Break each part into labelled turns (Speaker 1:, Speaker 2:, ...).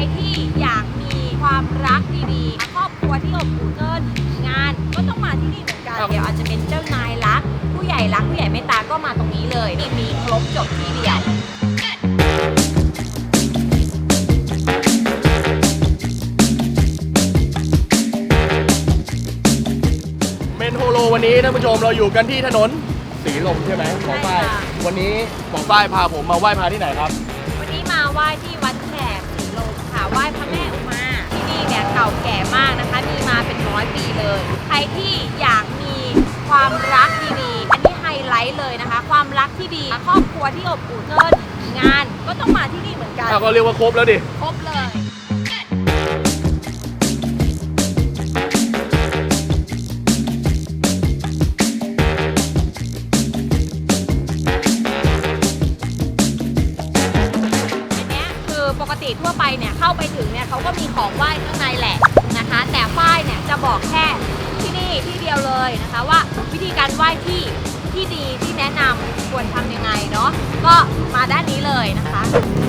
Speaker 1: ที่อยากมีความรักดีๆครอบครัวที่อบอุ่นเกินงานก็ต้องมาที่นี่เหมือนกันเดี๋ยวอาจจะเป็นเจ้านายรักผู้ใหญ่รักผู้ใหญ่เมตตาก็มาตรงนี้เลยมีครบจบที่เดียว
Speaker 2: เมนโฮโลวันนี้ท่านผู้ชมเราอยู่กันที่ถนนสีลมใช่ไหมหมอฝ้ายวันนี้หมอฝ้ายพาผมมาไหว้พระที่ไหนครับ
Speaker 1: วันนี้มาไหว้ที่วัดแขกสีลมค่ะไหว้พระแม่อุมาที่นี่เนี่ยเก่าแก่มากนะคะมีมาเป็น100 ปีเลยใครที่อยากมีความรักดีๆอันนี้ไฮไลท์เลยนะคะความรักที่ดีครอบครัวที่อบอุ่นเกินงานก็ต้องมาที่นี่เหมือนกัน
Speaker 2: ก็เรียกว่าครบแล้วดิ
Speaker 1: ครบเลยปกติทั่วไปเนี่ยเข้าไปถึงเนี่ยเขาก็มีของไหว้ข้างในแหละนะคะแต่ฝ้ายเนี่ยจะบอกแค่ที่นี่ที่เดียวเลยนะคะว่าวิธีการไหว้ที่ดีที่แนะนำควรทำยังไงเนาะก็มาด้านนี้เลยนะคะ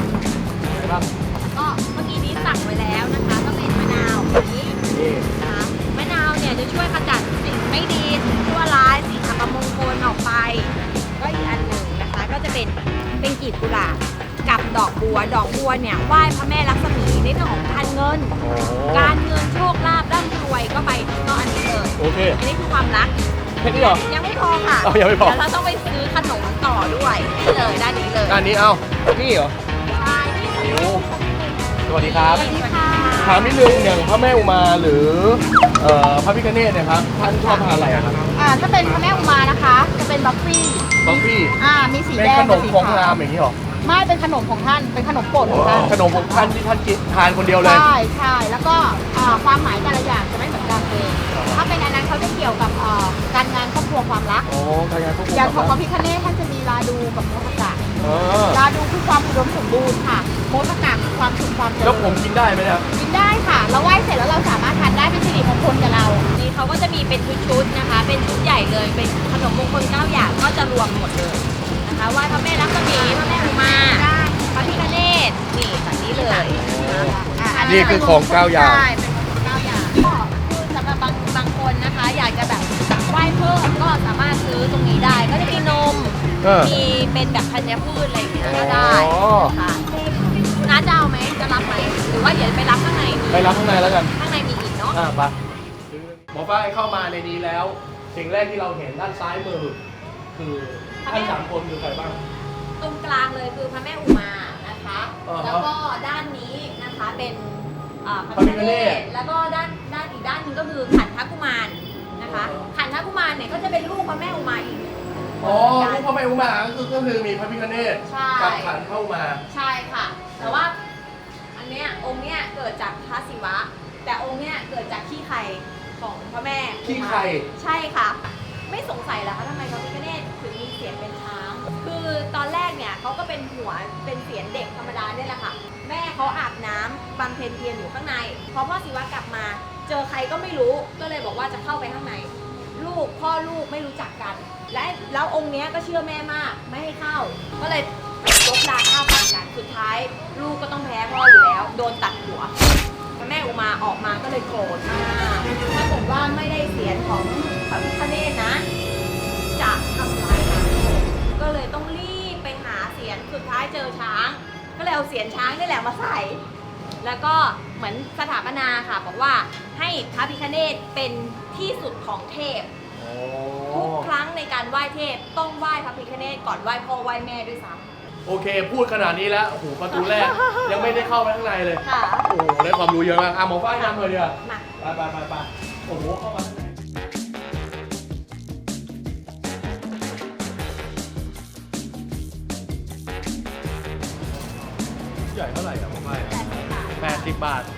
Speaker 1: ก็เมื่อกี้นี้สั่งไว้แล้วนะคะก็เป็นมะนาวนี้นะคะมะนาวเนี่ยจะช่วยขจัดสิ่งไม่ดีสิ่งชั่วร้ายสิ่งอัปมงคลออกไปก็อีกอันหนึ่งนะคะก็จะเป็นกลีบกุหลาบกับดอกบัวเนี่ยไหว้พระแม่ลักษมีในเรื่องของการเงินการเงินโชคลาภร่ำรวยก็ไปก็อันนี้เลย
Speaker 2: โอเค
Speaker 1: อันนี้คือความรัก
Speaker 2: แค่นี้เหรอ
Speaker 1: ยังไม่พอค่ะ
Speaker 2: ยังไม่พอ
Speaker 1: แล้วเราต้องไปซื้อขนมต่อด้วยนี่เลยด้านนี้เลย
Speaker 2: ด้านนี้เอานี่เหรอ
Speaker 1: ใช่นี่คือ
Speaker 2: สวัสดีครับ
Speaker 1: สวัสดีค่ะ
Speaker 2: ถามนิดนึงอย่างพระแม่อุมาหรือพระพิฆเนศเนี่ยครับท่านชอบทานอะไรครับ
Speaker 1: ถ้าเป็นพระแม่อุมานะคะจะเป็นบัฟฟี่มีสีแดง
Speaker 2: เป็นขนมของงามอย่างนี้หรอ
Speaker 1: ไม่เป็นขนมของท่านเป็นขนมโปรดของท่าน
Speaker 2: ขนมของท่านที่ท่านกินทานคนเดียวเลย
Speaker 1: ใช่แล้วก็ความหมายแต่ละอย่างจะไม่เหมือนกันเลยถ้าเป็นอันนั้นเขาจะเกี่ยวกับการงานครอบครัวความรัก
Speaker 2: การงานครอบครัว
Speaker 1: อย่างของพระพิฆเนศท่านจะมีราดูกับโมทกะราดูคือความอุดมสมบูรณ์ค่ะโมทกะคือความสุขความเจริญ
Speaker 2: แล้วผมกินได้ไหมเนี่ย
Speaker 1: กินได้ค่ะเราไหว้เสร็จแล้วเราสามารถทานได้เป็นสิริมงคลกับเรานี่เขาก็จะมีเป็นชุดๆนะคะเป็นชุดใหญ่เลยเป็นขนมมงคล9 อย่างก็จะรวมหมดเลยนะคะไหว้พระแม่ลักษมีพระแม่อุมาพระพิฆเนศนี่แบบนี้เลย
Speaker 2: นี่คือของ9 อย่าง
Speaker 1: ใช่เป็นของ9 อย่างก็คือสำหรับบางคนนะคะอยากจะแบบไหว้เพิ่มก็สามารถซื้อตรงนี้ได้ก็จะมีนมมีเป็นแบบธัญพืชอะไรอย่างเงี้ยก็ได้ค่ะน้าจะเอาไหมจะรับไหมหรือว่าเดี๋ยวไปรับข้างใน
Speaker 2: ไปรับข้างในแล้วกัน
Speaker 1: ข้างในมีอีกเนาะ
Speaker 2: ไปหมอฝ้ายเข้ามาในนี้แล้วสิ่งแรกที่เราเห็นด้านซ้ายมือคือท่าน3 คนคือใครบ้าง
Speaker 1: ตรงกลางเลยคือพระแม่อุมานะคะแล้วก็ด้านนี้นะคะเป็นพระพิฆเนศแล้วก็ด้านอีกด้านนึงก็คือขันธกุมารนะคะขันธกุมารเนี่ยก็จะเป็นลูกพระแม่อุมาอีก
Speaker 2: ลูกพระแม่อุมาก็คือมีพระพิฆเนศกับขันธกุมาร
Speaker 1: ใช่ค่ะแต่ว่าอันเนี้ยองค์เนี้ยเกิดจากพระศิวะแต่องค์เนี้ยเกิดจากขี้ไข่ของพระแม่
Speaker 2: ขี้ไข่
Speaker 1: ใช่ค่ะไม่สงสัยเหรอคะทำไมพระพิฆเนศถึงมีเสียงเป็นช้างคือตอนแรกเนี่ยเขาก็เป็นหัวเป็นเสียงเด็กธรรมดาเนี่ยแหละค่ะแม่เขาอาบน้ำบำเพ็ญเพียรอยู่ข้างในพอพ่อศิวะกลับมาเจอใครก็ไม่รู้ก็เลยบอกว่าจะเข้าไปข้างในพ่อลูกไม่รู้จักกันแล้วองค์เนี้ยก็เชื่อแม่มากไม่ให้เข้าก็เลยลบลาข้าวฟันกันสุดท้ายลูกก็ต้องแพ้พ่ออยู่แล้วโดนตัดหัวพระแม่อุมาออกมาก็เลยโกรธมากถ้าเกิดว่าไม่ได้เสียงของพระพิฆเนศนะจะทำร้ายนางก็เลยต้องรีบไปหาเสียงสุดท้ายเจอช้างก็เลยเอาเสียงช้างนี่แหละมาใส่แล้วก็เหมือนสถาปนาค่ะบอกว่าให้พระพิฆเนศเป็นที่สุดของเทพทุกครั้งในการไหว้เทพต้องไหว้พระพิฆเนศก่อนไหว้พ่อไหว้แม่ด้วยซ้ำ
Speaker 2: โอเคพูดขนาดนี้แล้วโอ้โหประตูแรกยังไม่ได้เข้าไปข้างในเลยโอ้โหได้ความรู้เยอะมากหมอฝ้ายนำเลยดีกว่าไปโอ้โหเข้ามาใหญ่เท่าไหร่หมอฝ้าย80 บาท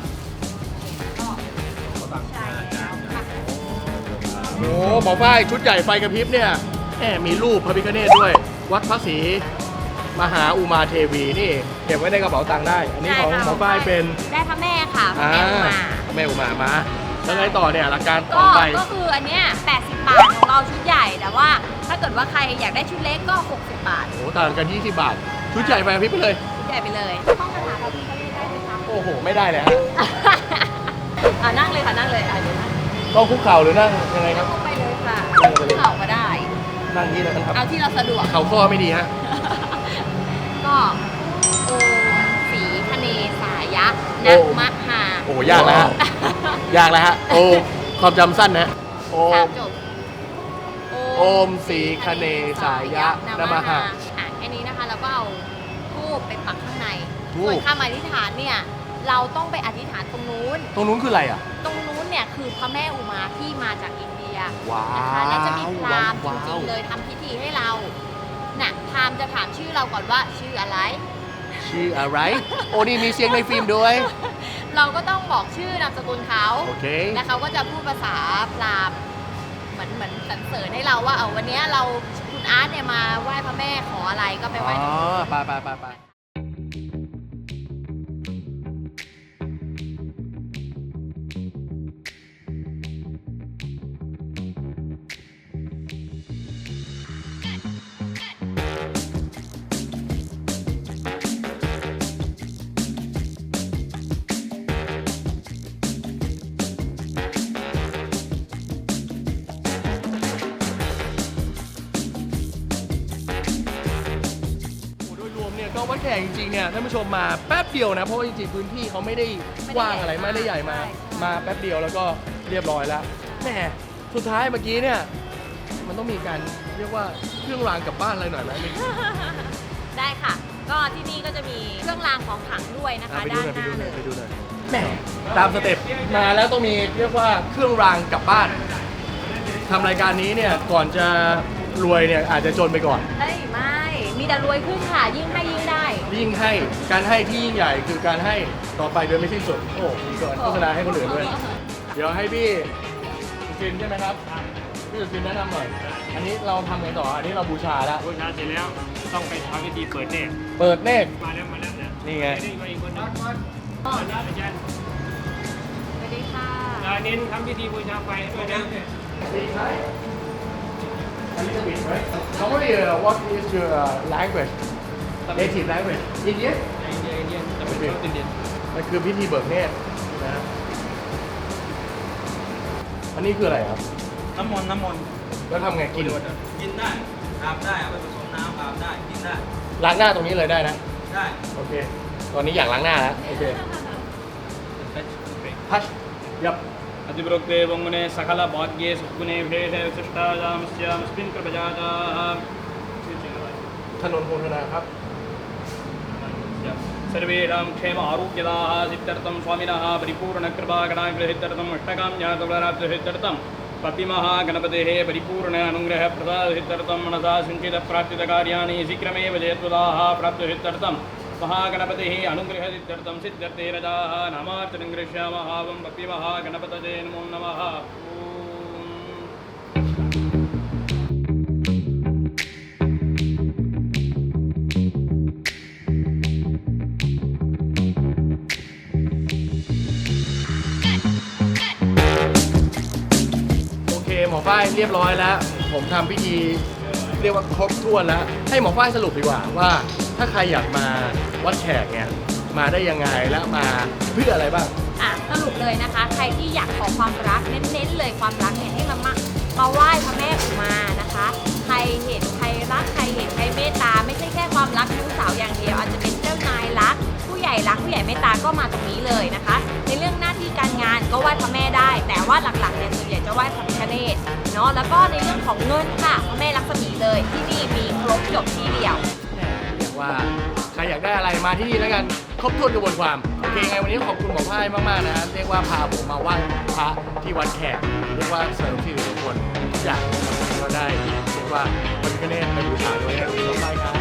Speaker 2: โอ้หมอฝ้ายชุดใหญ่ไฟกระพริบเนี่ยมีรูปพระพิฆเนศด้วยวัดพระศรีมหาอุมาเทวีนี่เก็บไว้ในกระเป๋าตังค์ได้อันนี้ของหมอฝ้ายเป็น
Speaker 1: ได้พระแม่ค่ะพระแม่อุมา
Speaker 2: มาแล้วไงต่อเนี่ยหลักการต่อไป
Speaker 1: ก็คืออันเนี้ย80 บาทของเราชุดใหญ่แต่ว่าถ้าเกิดว่าใครอยากได้ชุดเล็กก็60 บาท
Speaker 2: โอ้ต่างกัน20 บาทชุดใหญ่ไปพี่ไปเลย
Speaker 1: ชุดใหญ่ไปเลยห้องคาถาพระพิฆเนศได้ไหมคะ
Speaker 2: โอ้อ้โหไม่ได้เลยฮะ
Speaker 1: นั่งเลยค่ะนั่งเลยเดี๋ยวนั่ง
Speaker 2: ต้องคุกเข่าหรือนั่งยังไงครับ
Speaker 1: นั่งไปเลยค่ะ
Speaker 2: นั่งไปเลย
Speaker 1: เข่าก็ได้
Speaker 2: นั่งอย่างนี้เลยนะครับ
Speaker 1: เอาที่เราสะดวก
Speaker 2: เข่าข้อไม่ดีฮะ
Speaker 1: ก็โอสีคเนสายะ
Speaker 2: โอ้
Speaker 1: นะมะหา
Speaker 2: โอ้ยากแล้วฮะ ยากแล้วฮะ โอความจำสั้นนะโอ
Speaker 1: สาม
Speaker 2: ม
Speaker 1: จบ
Speaker 2: โอมสีคเนสายะนะมหา
Speaker 1: แค่นี้นะคะเราก็เอาทูบไปปักข้างใน
Speaker 2: ธูป
Speaker 1: ส่วนคำอธิษฐานเนี่ยเราต้องไปอธิษฐานตรงนู้น
Speaker 2: ตรงนู้นคืออะไรอ่ะ
Speaker 1: ตรงนู้นเนี่ยคือพระแม่อุมาที่มาจากอินเดีย
Speaker 2: ว้าว
Speaker 1: นะคะแล้วจะมีพราหมณ์จ
Speaker 2: ว้าว
Speaker 1: ริงๆเลยทำพิธีให้เราน่ะพราหมณ์จะถามชื่อเราก่อนว่าชื่ออะไร
Speaker 2: ชื่ออะไร โอ้นี่มีเสียงในฟิล์มด้วย
Speaker 1: เราก็ต้องบอกชื่อนามสกุลเขา
Speaker 2: โอเค
Speaker 1: แล้วเขาก็จะพูดภาษาพราหมณ์เหมือนสรรเสริญให้เราว่าวันนี้เราคุณอาร์ตเนี่ยมาไหว้พระแม่ขออะไรก็ไปไหว้
Speaker 2: อ๋อไป โดยรวมเนี่ยก็วัดแขกจริงๆเนี่ยท่านผู้ชมมาแป๊บเดียวนะเพราะว่าจริงๆพื้นที่เขาไม่ได้กว้างอะไรไม่ได้ใหญ่มาแป๊บเดียวแล้วก็เรียบร้อยแล้วแหมสุดท้ายเมื่อกี้เนี่ยมันต้องมีการเรียกว่าเครื่องรางกลับบ้านอะไรหน่อยไหม
Speaker 1: ได้ค่ะ ก็ที่นี่ก็จะมีเครื่องรางของขลังด้วยนะคะ
Speaker 2: ไป
Speaker 1: ด้าน
Speaker 2: ดู
Speaker 1: ห
Speaker 2: หน่
Speaker 1: น้า
Speaker 2: อย
Speaker 1: เล
Speaker 2: ไป
Speaker 1: ย
Speaker 2: ดูหน่อยแหมตามสเต็ปมาแล้วต้องมีเรียกว่าเครื่องรางกลับบ้านทำรายการนี้เนี่ยก่อนจะรวยเนี่ยอาจจะจนไปก่อน
Speaker 1: เฮ้ยไม่ มีแต่รวยขึ้นค่ะ ยิ่งให้ยิ่งได้
Speaker 2: ยิ่งให้การให้ที่ยิ่งใหญ่คือการให้ต่อไปโดยไม่สิ้นสุดโอ้มีก่อนโฆษณาให้คนอื่นด้วย เดี๋ยวให้พี่สุจินใช่ไหมครับพี่สุจินแนะนำหน่อย อันนี้เราทำไงต่ออันนี้เราบูชาแล้ว
Speaker 3: บูชาเสร็จแล้วต้องไปทำพิธีเปิดเนตร
Speaker 2: เปิดเนตร
Speaker 3: มาแล้วเนี่ย
Speaker 2: นี่ไง
Speaker 3: นี่ก็อีกคนหนึง
Speaker 1: อ๋อ
Speaker 3: อาจารย์
Speaker 1: สวัสดีค่ะ
Speaker 3: เน้นทำพิธีบูชาไฟให้ด้วยนะ
Speaker 2: A little bit, right? Normally, what is your language? Native language? Indian?
Speaker 3: อินเดียจะเป็นชาวอินเดีย
Speaker 2: มันคือพิธีเบิกเนตรนะอันนี้คืออะไรครับ
Speaker 3: น้ำมนต์
Speaker 2: แล้วทำไงกิน
Speaker 3: กินได้อาบได้เอาไปผสมน้ำอาบได้กินได้
Speaker 2: ล้างหน้าตรงนี้เลยได้นะ
Speaker 3: ได้
Speaker 2: โอเค ตอนนี้อยากล้างหน้าแล้ว โอเค พัชยับ
Speaker 3: अतिप्रोक्ते वंगुने सकल भाग्ये सुगुणे भेदे विशिष्टायामस्यामस्मिन् कृपयाजाः
Speaker 2: ถนนโพธนาครับ
Speaker 3: सर्वेषां क्षेम आरोग्यदाः सिद्ध्यर्थं स्वामिनः परिपूर्णकृपागणाग्रहित्यर्थम् अष्टकाम्यातुलराब्धहित्यर्थं पपिमहागणपतेः परिपूर्ण अनुग्रहप्रसादहित्यर्थं मनसा सिञ्चितप्राप्तितकार्याणि शीघ्रमेव जयत्वदाः प्राप्तहित्यर्थं महागणपतिः अनुग्रहसित्यर्थं सिद्ध्यर्थे रजाः नामार्चनं गृह्यामः वं पपिमहागणपतये नमो नमः ॐ
Speaker 2: โอเคหมอฝ้ายเรียบร้อยแล้ว ผมทำพิธีเรียกว่าครบถ้วนแล้ว ให้หมอฝ้ายสรุปดีกว่าว่าถ้าใครอยากมาวัดแขกเนี่ยมาได้ยังไงและมาเพื่ออะไรบ้าง
Speaker 1: สรุปเลยนะคะ ใครที่อยากขอความรักเน้นๆเลยความรักเนี่ยให้มาไหว้พระแม่อุมานะคะ ใครเห็นใครรักใครเห็นใครเมตตาไม่ใช่แค่ความรักชู้สาวอย่างเดียวอาจจะเป็นเจ้านายรักผู้ใหญ่รักผู้ใหญ่เมตตาก็มาตรงนี้เลยนะคะ ในเรื่องหน้าที่การงานก็ไหว้พระแม่ได้ แต่ว่าหลักๆเนี่ยส่วนใหญ่จะไหว้พระพิฆเนศเนาะแล้วก็ในเรื่องของเงินค่ะพระแม่ลักษมีเลยที่นี่มีครบจบที่เดียว
Speaker 2: เรียกว่าใครอยากได้อะไรมาที่นี่แล้วกันครบถ้วนกระบวนความโอเคไงวันนี้ขอบคุณหมอพายมากๆนะครับเรียกว่าพาผมมาไหว้พระที่วัดแขกเรียกว่าเสริมสิริมงคลทุกอย่างก็ได้เรียกว่าพระพิฆเนศไปบูชาด้วยขอบคุณมากครับ